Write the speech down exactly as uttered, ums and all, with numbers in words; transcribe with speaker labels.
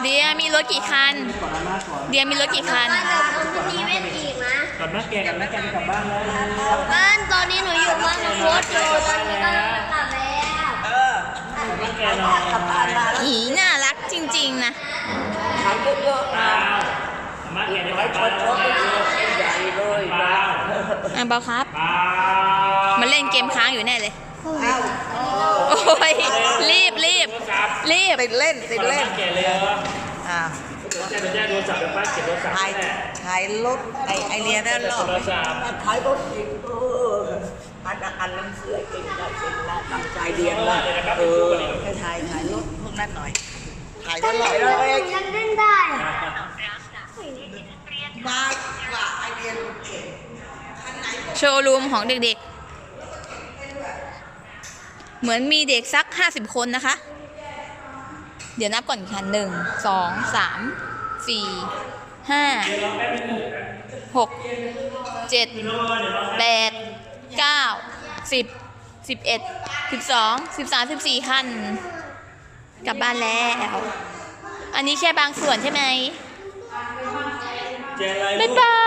Speaker 1: เดียมีรถกี่คันเดียมีรถกี่คัน
Speaker 2: บ้านเดี๋ยวผมมีเวทอีกนะ
Speaker 3: ก่อนแม่แกกันแม่แกจะกลับบ้านแล้ว
Speaker 2: บ้านตอนนี้หนูอยู่บ้านหนูโคตรอยู่ตอนนี้ก็กลับแล้ว
Speaker 3: เออแม่แกนอนกลับบ้านแล้ว
Speaker 1: อีน่ารักจริงๆนะ
Speaker 3: ขายเยอะๆนะแม่แกจะไปคนชอบใหญ่เลยนะ
Speaker 1: อ่ะเบาครับมาเล่นเกมค้างอยู่แน่เลยโอ้ยรีบรีบรีบ
Speaker 4: ติดเล่นติดเล่น
Speaker 3: แกเลย
Speaker 4: อ่า
Speaker 3: แจ้งแจ้งโทรศัพท์เดี๋ยวป้าเก็บโทรศัพท์
Speaker 4: ขายขายรถไอไอเรียได้หรอขายรถอีกเอออันอันนั้นเสื้อเก่งได้เก่งได้ตั้งใจเรียนละเออไปถ่ายขายรถพวกนั้นหน่อยขายตลอดเลย
Speaker 2: ยังเล่นได้
Speaker 4: มากกว่าไอเรียนเก่ง
Speaker 1: โชว์รูมของเด็กๆเหมือนมีเด็กสักห้าสิบคนนะคะ เดี๋ยวนับก่อนค่ะหนึ่งสองสามสี่ห้าหกเจ็ดแปดเก้าสิบสิบเอ็ดสิบสองสิบสามสิบสี่คันกลับบ้านแล้วอันนี้แค่บางส่วนใช่ไหมบ๊ายบาย